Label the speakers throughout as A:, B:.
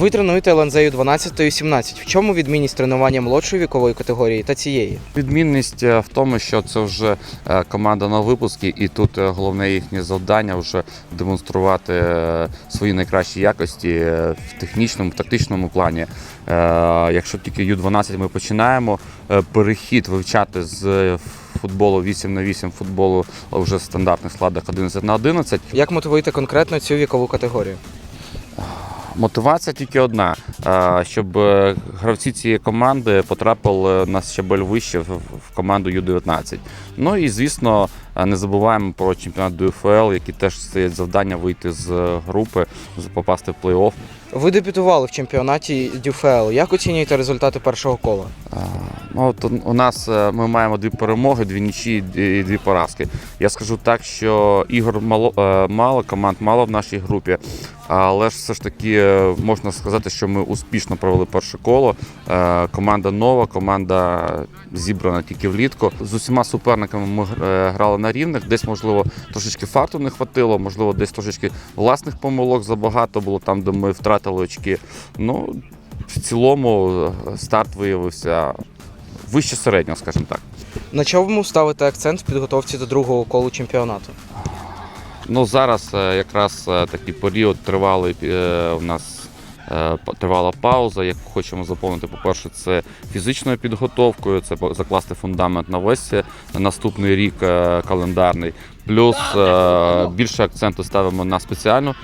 A: Ви тренуєте ЛНЗ Ю-12 та Ю-17. В чому відмінність тренування молодшої вікової категорії та цієї?
B: Відмінність в тому, що це вже команда на випуски, і тут головне їхнє завдання вже демонструвати свої найкращі якості в технічному, тактичному плані. Якщо тільки Ю-12 ми починаємо, перехід вивчати з футболу 8х8 футболу вже в стандартних складах 11х11.
A: Як мотивуєте конкретно цю вікову категорію?
B: Мотивація тільки одна, щоб гравці цієї команди потрапили на щабель вище в команду Ю-19. Ну і, звісно, не забуваємо про чемпіонат ДЮФЛ, який теж стоять завдання вийти з групи, попасти в плей-офф.
A: Ви дебютували в чемпіонаті ДЮФЛ. Як оцінюєте результати першого кола?
B: От у нас ми маємо 2 перемоги, 2 нічі і 2 поразки. Я скажу так, що ігор мало, команд мало в нашій групі, але ж все ж таки можна сказати, що ми успішно провели перше коло. Команда нова, команда зібрана тільки влітку. З усіма суперниками ми грали на рівних, десь, можливо, трошечки фарту не хватило, можливо, десь трошечки власних помилок забагато було там, де ми втратили очки. Ну, в цілому старт виявився вище середнього, скажімо так.
A: На чому ставите акцент в підготовці до другого колу чемпіонату?
B: Ну, зараз якраз такий період тривалий, у нас тривала пауза, яку хочемо заповнити, по-перше, це фізичною підготовкою, це закласти фундамент на весь наступний рік календарний. Плюс більше акценту ставимо на спеціальну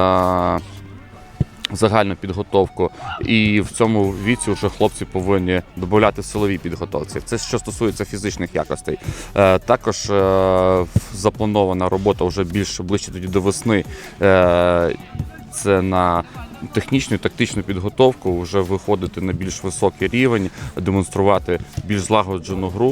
B: загальну підготовку, і в цьому віці вже хлопці повинні додати в силовій підготовці. Це що стосується фізичних якостей. Також запланована робота вже ближче тоді до весни. Це на технічну і тактичну підготовку, вже виходити на більш високий рівень, демонструвати більш злагоджену гру.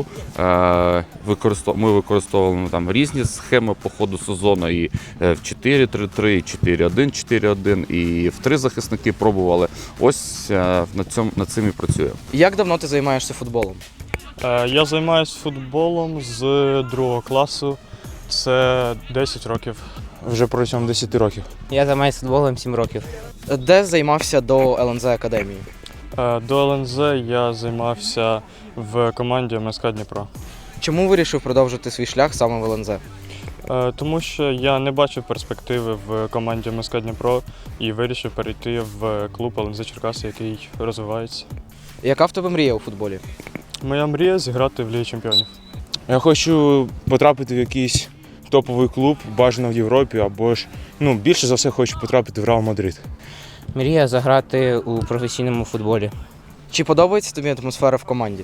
B: Ми використовували там різні схеми по ходу сезону, і в 4-3-3, 4-1-4-1, і в 3 захисники пробували. Ось над цим і працюємо.
A: Як давно ти займаєшся футболом?
C: Я займаюся футболом з 2 класу, це 10 років.
D: Вже протягом 10 років.
E: Я займаюся футболом 7 років.
A: Де займався до ЛНЗ Академії?
C: До ЛНЗ я займався в команді МСК Дніпро.
A: Чому вирішив продовжити свій шлях саме в ЛНЗ?
C: Тому що я не бачив перспективи в команді МСК Дніпро і вирішив перейти в клуб ЛНЗ Черкаси, який розвивається.
A: Яка в тебе мрія у футболі?
C: Моя мрія – зіграти в Лігі Чемпіонів.
D: Я хочу потрапити в якийсь топовий клуб, бажано в Європі, або ж більше за все хочу потрапити в Реал Мадрид.
E: Мрія заграти у професійному футболі.
A: Чи подобається тобі атмосфера в команді?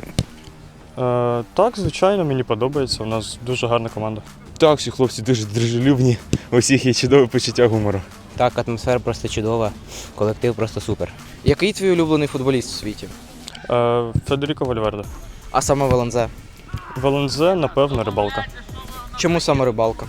C: Так, звичайно, мені подобається. У нас дуже гарна команда.
D: Так, всі хлопці дуже дружелюбні, у всіх є чудове почуття гумору.
E: Так, атмосфера просто чудова, колектив просто супер.
A: Який твій улюблений футболіст у світі?
C: Федеріко Вальверде.
A: А саме в ЛНЗ?
C: В ЛНЗ, напевно, Рибалка.
A: Чому саме Рибалка?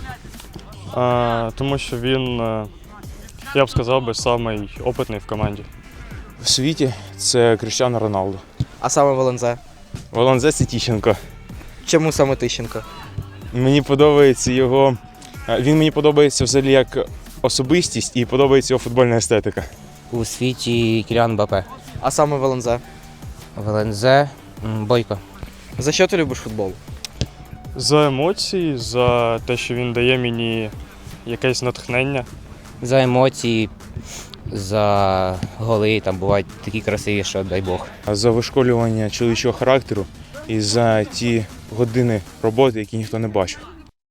C: Тому що він, я б сказав, самий опитний в команді.
D: В світі це Кріштіану Роналду.
A: А саме в ЛНЗ?
D: В ЛНЗ це Тищенко.
A: Чому саме Тищенко?
D: Мені подобається він мені подобається взагалі як особистість і подобається його футбольна естетика.
E: У світі Кіліан Мбаппе.
A: А саме в ЛНЗ?
E: В ЛНЗ Бойко.
A: За що ти любиш футбол?
C: За емоції, за те, що він дає мені якесь натхнення.
E: За емоції, за голи, там бувають такі красиві, що дай Бог.
D: За вишколювання чоловічого характеру і за ті години роботи, які ніхто не бачив.